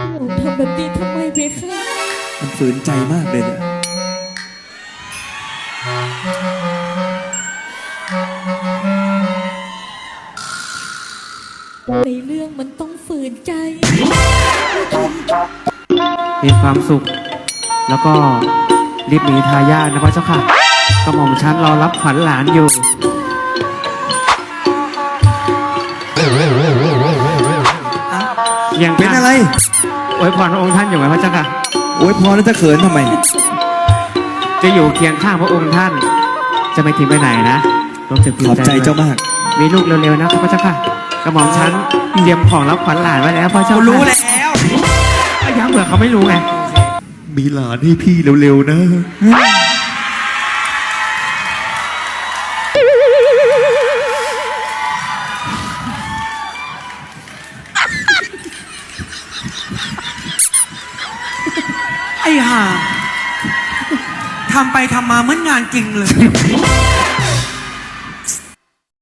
หนูทำแบบนี้ทำไมเพคะมันฝืนใจมากเลยเนี่ยในเรื่องมันต้องฝืนใจมีความสุข แล้วก็รีบหนีทายาทนะพระเจ้าค่ะกระหม่อมชั้นรอรับขวัญหลานอยู่ยังเป็นอะไรอวยพรพระองค์ท่านอยู่ไหมพระเจ้าค่ะโอ้ยพอแล้วจะเขินทำไมจะอยู่เคียงข้างพระองค์ท่าน จะไม่ทิ้งไปไหนนะรวมถึงขอบใจเจ้ามากมีลูกเร็วๆนะพระเจ้าค่ะกระหม่อมชั้นเตรียมของรับขวัญหลานไว้แล้วพระเจ้าค่ะรู้แล้วย้ำเผื่อเขาไม่รู้ไงมีหลานให้พี่เร็วๆนะไอ้ห่าทำไปทำมาเหมือนงานจริงเลย